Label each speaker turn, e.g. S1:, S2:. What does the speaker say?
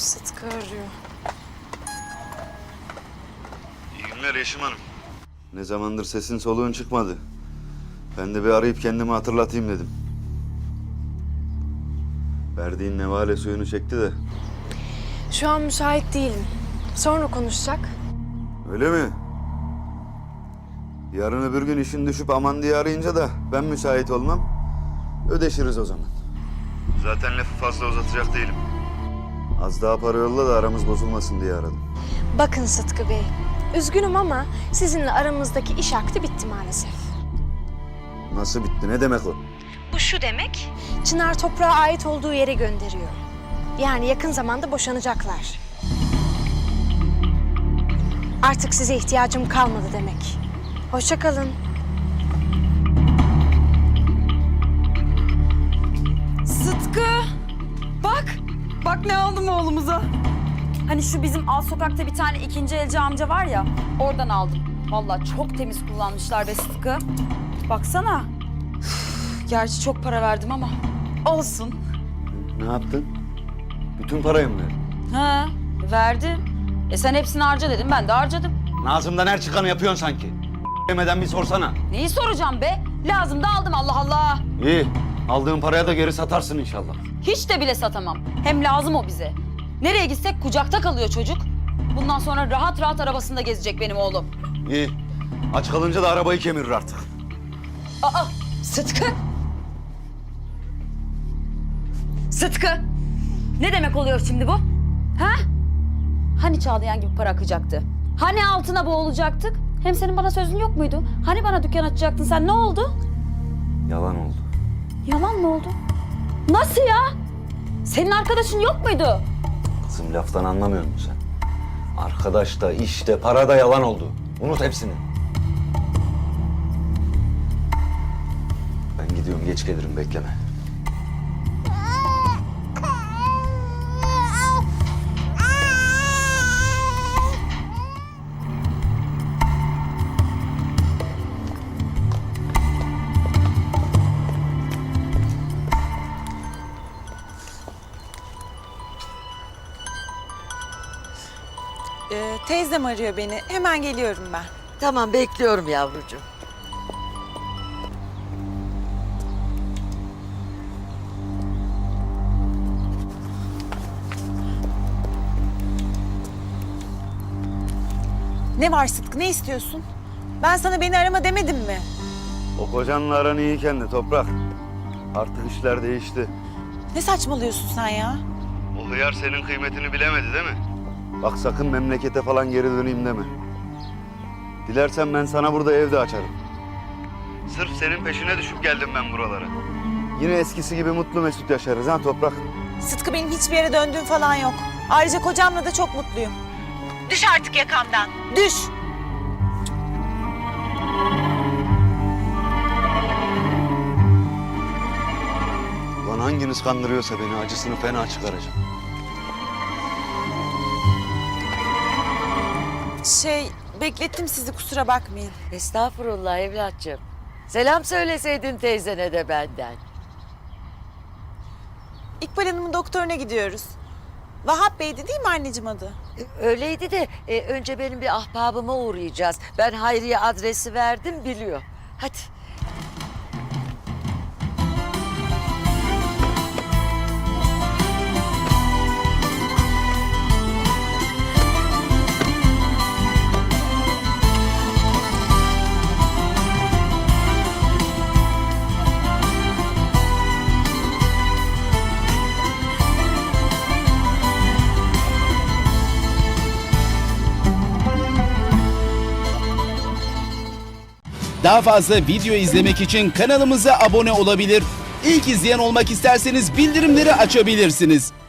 S1: Sıtkı arıyor.
S2: İyi günler Yeşim Hanım. Ne zamandır sesin soluğun çıkmadı. Ben de bir arayıp kendimi hatırlatayım dedim. Verdiğin nevale suyunu çekti de.
S1: Şu an müsait değilim. Sonra konuşacak.
S2: Öyle mi? Yarın öbür gün işin düşüp aman diye arayınca da ben müsait olmam. Ödeşiriz o zaman. Zaten lafı fazla uzatacak değilim. Az daha para yolla da aramız bozulmasın diye aradım.
S1: Bakın Sıtkı Bey, üzgünüm ama sizinle aramızdaki iş akdi bitti maalesef.
S2: Nasıl bitti? Ne demek o?
S1: Bu şu demek, Çınar toprağa ait olduğu yere gönderiyor. Yani yakın zamanda boşanacaklar. Artık size ihtiyacım kalmadı demek. Hoşça kalın.
S3: Sıtkı! Bak ne aldım oğlumuza. Hani şu bizim alt sokakta bir tane ikinci elci amca var ya, oradan aldım. Vallahi çok temiz kullanmışlar be Sıtkı. Baksana. Üf, gerçi çok para verdim ama olsun.
S2: Ne yaptın? Bütün parayı mı verdin?
S3: Ha, verdim. Sen hepsini harca dedim, ben de harcadım.
S2: Ağzımdan her çıkanı yapıyorsun sanki. Demeden bir sorsana.
S3: Neyi soracağım be? Lazım da aldım, Allah Allah.
S2: İyi. Aldığın paraya da geri satarsın inşallah.
S3: Hiç de bile satamam. Hem lazım o bize. Nereye gitsek kucakta kalıyor çocuk. Bundan sonra rahat rahat arabasında gezecek benim oğlum.
S2: İyi. Aç kalınca da arabayı kemirir artık.
S3: Aa, Sıtkı. Sıtkı. Ne demek oluyor şimdi bu? Ha? Hani Çağlayan gibi para akacaktı? Hani altına boğulacaktık? Hem senin bana sözün yok muydu? Hani bana dükkan açacaktın sen, ne oldu?
S2: Yalan oldu.
S3: Yalan mı oldu? Nasıl ya? Senin arkadaşın yok muydu?
S2: Kızım laftan anlamıyor musun sen? Arkadaş da, iş de, para da yalan oldu. Unut hepsini. Ben gidiyorum, geç gelirim, bekleme.
S4: Teyzem arıyor beni. Hemen geliyorum ben.
S5: Tamam, bekliyorum yavrucuğum.
S4: Ne var Sıtkı, ne istiyorsun? Ben sana beni arama demedim mi?
S2: O kocanla aran iyiyken de Toprak. Artık işler değişti.
S4: Ne saçmalıyorsun sen ya?
S2: O hıyar senin kıymetini bilemedi değil mi? Bak sakın memlekete falan geri döneyim deme. Dilersen ben sana burada evde açarım. Sırf senin peşine düşüp geldim ben buralara. Yine eskisi gibi mutlu mesut yaşarız ha Toprak.
S4: Sıtkı, benim hiçbir yere döndüğüm falan yok. Ayrıca kocamla da çok mutluyum. Düş artık yakamdan. Düş.
S2: Ulan hanginiz kandırıyorsa beni acısını fena çıkaracağım.
S4: Beklettim sizi, kusura bakmayın.
S5: Estağfurullah evlatçığım. Selam söyleseydin teyzene de benden.
S4: İkbal Hanım'ın doktoruna gidiyoruz. Vahap Bey'di değil mi anneciğim adı?
S5: Öyleydi de önce benim bir ahbabıma uğrayacağız. Ben Hayriye adresi verdim, biliyor. Hadi.
S6: Daha fazla video izlemek için kanalımıza abone olabilir. İlk izleyen olmak isterseniz bildirimleri açabilirsiniz.